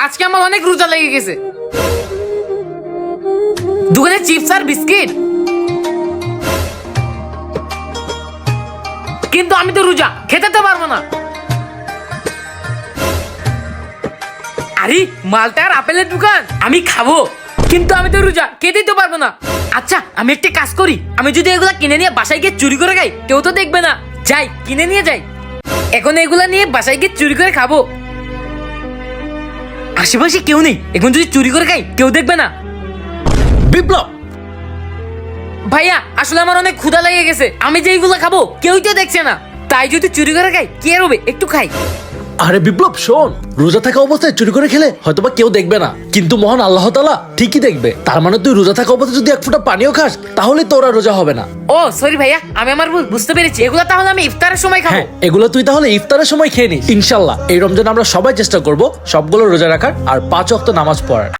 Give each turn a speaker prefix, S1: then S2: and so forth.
S1: আজকে আমার অনেক রোজা লেগে গেছে। দোকানে চিপস আর বিস্কিট, কিন্তু আমি তো রোজা, খেতে তো পারবো না। আরে মালটা আর আপেলের দোকান, আমি খাবো, কিন্তু আমি তো রোজা, খেতেই তো পারবো না। আচ্ছা আমি একটা কাজ করি, আমি যদি এগুলা কিনে নিয়ে বাসায় গিয়ে চুরি করে খাই, কেউ তো দেখবে না। যাই কিনে নিয়ে যাই, এখন এগুলা নিয়ে বাসায় গিয়ে চুরি করে খাবো। আশেপাশে কেউ নেই, এখন যদি চুরি করে খাই কেউ দেখবে না।
S2: বিপ্লব,
S1: ভাইয়া আসলে আমার অনেক ক্ষুধা লেগে গেছে, আমি যে এইগুলা খাবো কেউই তো দেখছে না, তাই যদি চুরি করে খাই কে রবে, একটু খাই।
S2: আরে বিপ্লব শোন, রোজা থাকা অবস্থায় চুরি করে খেলে হয়তোবা কেউ দেখবে না, কিন্তু মহান আল্লাহ তাআলা ঠিকই দেখবে। তার মানে তুই রোজা থাকা অবস্থায় যদি এক ফোঁটা পানিও খাস, তাহলে তোরা রোজা হবে না।
S1: ও সরি ভাইয়া, আমি আমার ভুল বুঝতে পেরেছি, এগুলা তাহলে আমি ইফতারের সময় খাবো।
S2: হ্যাঁ, এগুলো তুই তাহলে ইফতারের সময় খেয়ে নিস। ইনশাল্লাহ এই রমজান আমরা সবাই চেষ্টা করব সবগুলো রোজা রাখার আর 5 ওয়াক্ত নামাজ পড়ার।